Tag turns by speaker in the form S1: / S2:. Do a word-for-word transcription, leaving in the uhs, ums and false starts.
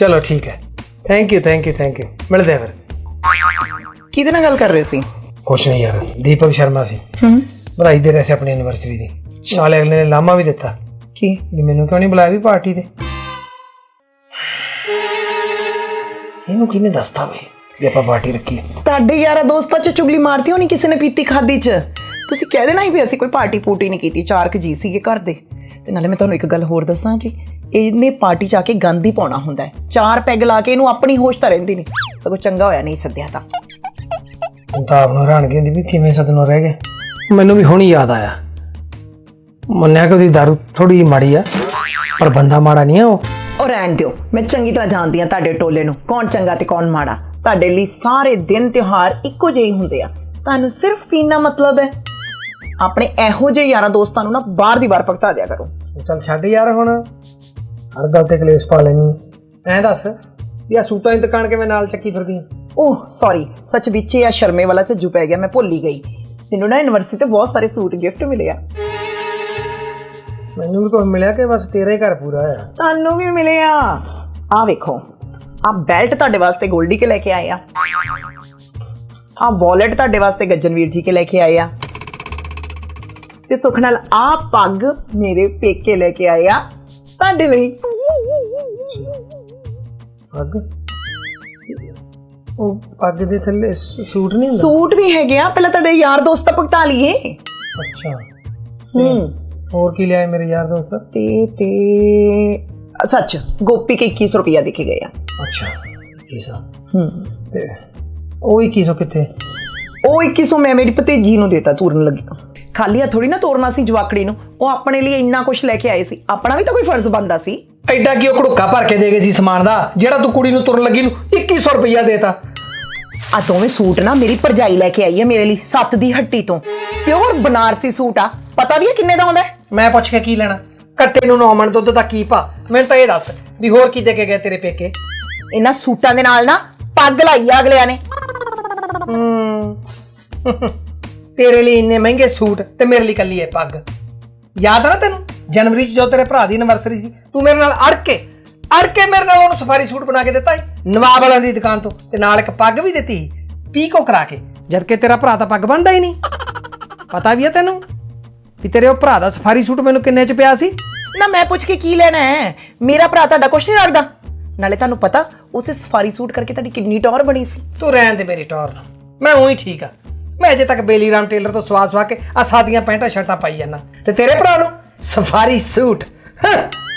S1: चलो ठीक है, thank you thank you thank you. मिलते हैं फिर।
S2: ਕਿਹਦੇ ਨਾਲ ਗੱਲ ਕਰ ਰਹੇ ਸੀ?
S1: कुछ नहीं यार, दीपक शर्मा सी बधाई दे रहे थे अपनी एनिवर्सरी दी। नाले अगले ने लामा भी दिता
S2: ਕੀ?
S1: भी मैनू क्यों नहीं बुलाया भी पार्टी दे। ਇਹਨੂੰ ਕਿਹਨੇ ਦੱਸਤਾ ਵੇ ਵੀ ਆਪਾਂ ਪਾਰਟੀ ਰੱਖੀ ਹੈ?
S2: ਤੁਹਾਡੇ ਯਾਰਾ ਦੋਸਤਾਂ ਚ ਚੁਗਲੀ ਮਾਰਤੀ ਹੋਣੀ ਕਿਸੇ ਨੇ ਪੀਤੀ ਖਾਦੀ ਚ। ਤੁਸੀਂ ਕਹਿ ਦੇਣਾ ਸੀ ਵੀ ਅਸੀਂ ਕੋਈ ਪਾਰਟੀ ਪੂਟੀ ਨਹੀਂ ਕੀਤੀ, ਚਾਰ ਕੁ ਜੀ ਸੀਗੇ ਘਰ ਦੇ। ਤੇ ਨਾਲੇ ਮੈਂ ਤੁਹਾਨੂੰ ਇੱਕ ਗੱਲ ਹੋਰ ਦੱਸਾਂ ਜੀ, ਇਹਨੇ ਪਾਰਟੀ ਚ ਆ ਕੇ ਗੰਦ ਹੀ ਪਾਉਣਾ ਹੁੰਦਾ ਹੈ। ਚਾਰ ਪੈਗ ਲਾ ਕੇ ਇਹਨੂੰ ਆਪਣੀ ਹੋਸ਼ ਤਾਂ ਰਹਿੰਦੀ ਨਹੀਂ, ਸਗੋਂ ਚੰਗਾ ਹੋਇਆ ਨਹੀਂ ਸੱਦਿਆ ਤਾਂ।
S1: ਹੁਣ ਤਾਂ ਆਪ ਨੂੰ ਹੈਰਾਨਗੀ ਹੁੰਦੀ ਵੀ ਕਿਵੇਂ ਸਦਨੋਂ ਰਹਿ ਗਏ। ਮੈਨੂੰ ਵੀ ਹੁਣ ਯਾਦ ਆਇਆ, ਮੰਨਿਆ ਕਿ ਉਹਦੀ ਦਾਰੂ ਥੋੜੀ ਜਿਹੀ ਮਾੜੀ ਆ, ਪਰ ਬੰਦਾ ਮਾੜਾ ਨਹੀਂ ਆ ਉਹ।
S2: ਉਹ ਰਹਿਣ ਦਿਓ, ਮੈਂ ਚੰਗੀ ਤਰ੍ਹਾਂ ਜਾਣਦੀ ਹਾਂ ਤੁਹਾਡੇ ਟੋਲੇ ਨੂੰ, ਕੌਣ ਚੰਗਾ ਤੇ ਕੌਣ ਮਾੜਾ। ਤੁਹਾਡੇ ਲਈ ਸਾਰੇ ਦਿਨ ਤਿਉਹਾਰ ਇੱਕੋ ਜਿਹੇ ਹੁੰਦੇ ਆ, ਤੁਹਾਨੂੰ ਸਿਰਫ ਪੀਣਾ ਮਤਲਬ ਹੈ। ਆਪਣੇ ਇਹੋ ਜਿਹੇ ਯਾਰਾਂ ਦੋਸਤਾਂ ਨੂੰ ਨਾ ਬਾਹਰ ਦੀ ਬਾਹਰ ਭਗਤਾ ਦਿਆ ਕਰੋ।
S1: ਚੱਲ ਛੱਡ ਯਾਰ, ਹੁਣ ਹਰ ਗੱਲ ਤੇ ਕਲੇਸ਼ ਪਾ ਲੈਣੀ। ਐਂ ਦੱਸ ਵੀ ਆ ਸੂਟਾਂ ਦੀ ਦੁਕਾਨ ਕਿਵੇਂ ਨਾਲ ਚੱਕੀ ਫਿਰਦੀ ਆ?
S2: ਓਹ ਸੌਰੀ, ਸੱਚ ਵਿੱਚ ਇਹ ਸ਼ਰਮੇ ਵਾਲਾ ਝੱਜੂ ਪੈ ਗਿਆ, ਮੈਂ ਭੁੱਲ ਹੀ ਗਈ। ਮੈਨੂੰ ਨਾ ਯੂਨੀਵਰਸਿਟੀ ਤੇ ਬਹੁਤ ਸਾਰੇ ਸੂਟ ਗਿਫਟ ਮਿਲੇ ਆ।
S1: ਮੈਨੂੰ ਵੀ ਕੁਝ ਮਿਲਿਆ ਕਿ ਬਸ ਤੇਰਾ ਹੀ ਘਰ ਪੂਰਾ ਆ?
S2: ਤੁਹਾਨੂੰ ਵੀ ਮਿਲੇ ਆ। ਆਹ ਵੇਖੋ, ਆਹ ਬੈਲਟ ਤੁਹਾਡੇ ਵਾਸਤੇ ਗੋਲਡੀ ਕੇ ਲੈ ਕੇ ਆਏ ਆ। ਆਹ ਵਾਲਟ ਤੁਹਾਡੇ ਵਾਸਤੇ ਗੱਜਨਵੀਰ ਜੀ ਕੇ ਲੈ ਕੇ ਆਏ ਆ। ਤੇ ਸੁਖ ਨਾਲ ਆਹ ਪੱਗ ਮੇਰੇ ਪੇਕੇ ਲੈ ਕੇ ਆਏ ਆ ਤੁਹਾਡੇ ਲਈ।
S1: ਪੱਗ? ਉਹ ਪੱਗ ਦੇ ਥੱਲੇ ਸੂਟ ਨਹੀਂ ਹੁੰਦਾ?
S2: ਸੂਟ ਵੀ ਹੈਗੇ ਆ, ਪਹਿਲਾਂ ਤੁਹਾਡੇ ਯਾਰ ਦੋਸਤ ਤਾਂ ਭੁਗਤਾ ਲਈਏ।
S1: ਅੱਛਾ,
S2: ਹੂੰ।
S1: ਹੋਰ ਕੀ ਲਿਆਏ ਮੇਰੇ ਯਾਰ ਦੋਸਤ?
S2: ਤੇ ਤੇ ਸੱਚ, ਗੋਪੀ ਕੇ ਇੱਕੀ ਸੌ ਰੁਪਇਆ ਦੇ ਕੇ ਗਏ ਆ।
S1: ਅੱਛਾ, ਇੱਕੀ ਸੌ।
S2: ਹੂੰ।
S1: ਤੇ ਉਹ ਇੱਕੀ ਸੌ ਕਿੱਥੇ?
S2: ਉਹ ਇੱਕੀ ਸੌ ਮੈਂ ਮੇਰੀ ਭਤੀਜੀ ਨੂੰ ਦੇਤਾ ਤੁਰਨ ਲੱਗੀ। ਖਾਲੀ ਥੋੜੀ ਨਾ ਤੋਰਨਾ ਸੀ ਜਵਾਕੜੀ ਨੂੰ, ਉਹ ਆਪਣੇ ਲਈ ਇੰਨਾ ਕੁਝ ਲੈ ਕੇ ਆਏ ਸੀ, ਆਪਣਾ ਵੀ ਤਾਂ ਕੋਈ ਫਰਜ਼ ਬਣਦਾ ਸੀ।
S1: ਐਡਾ ਕੀ ਉਹ ਘੜੁੱਕਾ ਭਰ ਕੇ ਦੇ ਗਏ ਸੀ ਸਮਾਨ ਦਾ, ਜਿਹੜਾ ਤੂੰ ਕੁੜੀ ਨੂੰ ਤੁਰਨ ਲੱਗੀ ਨੂੰ ਇੱਕੀ ਸੌ ਰੁਪਇਆ ਦੇਤਾ?
S2: ਆ ਦੋਵੇਂ ਸੂਟ ਨਾ ਮੇਰੀ ਭਰਜਾਈ ਲੈ ਕੇ ਆਈ ਹੈ ਮੇਰੇ ਲਈ, ਸੱਤ ਦੀ ਹੱਟੀ ਤੋਂ। ਪਿਓਰ ਬਨਾਰਸੀ ਸੂਟ ਆ, ਪਤਾ ਵੀ ਹੈ ਕਿੰਨੇ ਦਾ ਆਉਂਦਾ?
S1: ਮੈਂ ਪੁੱਛ ਕੇ ਕੀ ਲੈਣਾ? ਕੱਟੇ ਨੂੰ ਨੌ ਮਣ ਦੁੱਧ ਦਾ ਕੀ ਭਾ? ਮੈਨੂੰ ਤਾਂ ਇਹ ਦੱਸ ਵੀ ਹੋਰ ਕੀ ਦੇ ਕੇ ਗਏ ਤੇਰੇ ਪੇਕੇ?
S2: ਇਹਨਾਂ ਸੂਟਾਂ ਦੇ ਨਾਲ ਨਾ ਪੱਗ ਲਾਈ ਆ ਅਗਲਿਆਂ ਨੇ।
S1: ਤੇਰੇ ਲਈ ਇੰਨੇ ਮਹਿੰਗੇ ਸੂਟ ਤੇ ਮੇਰੇ ਲਈ ਕੱਲੀ ਹੈ ਪੱਗ। ਯਾਦ ਆ ਨਾ ਤੈਨੂੰ ਜਨਵਰੀ 'ਚ ਜਦੋਂ ਤੇਰੇ ਭਰਾ ਦੀ ਐਨਵਰਸਰੀ ਸੀ, ਤੂੰ ਮੇਰੇ ਨਾਲ ਅੜ ਕੇ ਅੜ ਕੇ ਮੇਰੇ ਨਾਲ ਉਹਨੂੰ ਸਫਾਰੀ ਸੂਟ ਬਣਾ ਕੇ ਦਿੱਤਾ ਸੀ ਨਵਾਬ ਵਾਲਿਆਂ ਦੀ ਦੁਕਾਨ ਤੋਂ, ਤੇ ਨਾਲ ਇੱਕ ਪੱਗ ਵੀ ਦਿੱਤੀ ਸੀ ਪੀਕੋ ਕਰਾ ਕੇ, ਜਦ ਕਿ ਤੇਰਾ ਭਰਾ ਤਾਂ ਪੱਗ ਬੰਨਦਾ ਹੀ ਨਹੀਂ। ਪਤਾ ਵੀ ਹੈ ਤੈਨੂੰ ਵੀ ਤੇਰੇ ਉਹ ਭਰਾ ਦਾ ਸਫਾਰੀ ਸੂਟ ਮੈਨੂੰ ਕਿੰਨੇ 'ਚ ਪਿਆ ਸੀ?
S2: ਨਾ ਮੈਂ ਪੁੱਛ ਕੇ ਕੀ ਲੈਣਾ ਹੈ, ਮੇਰਾ ਭਰਾ ਤੁਹਾਡਾ ਕੁਛ ਨਹੀਂ ਰੱਖਦਾ। ਨਾਲੇ ਤੁਹਾਨੂੰ ਪਤਾ ਉਸੇ ਸਫਾਰੀ ਸੂਟ ਕਰਕੇ ਤੁਹਾਡੀ ਕਿੰਨੀ ਟੌਰ ਬਣੀ ਸੀ।
S1: ਤੂੰ ਰਹਿਣ ਦੇ ਮੇਰੀ ਟੌਰ ਨੂੰ, ਮੈਂ ਉਹੀ ਠੀਕ ਆ। ਮੈਂ ਅਜੇ ਤੱਕ ਬੇਲੀ ਰਾਮ ਟੇਲਰ ਤੋਂ ਸਵਾ ਸਵਾ ਕੇ ਆ ਸਾਦੀਆਂ ਪੈਂਟਾਂ ਸ਼ਰਟਾਂ ਪਾਈ ਜਾਂਦਾ, ਤੇ ਤੇਰੇ ਭਰਾ ਨੂੰ ਸਫਾਰੀ ਸੂਟ।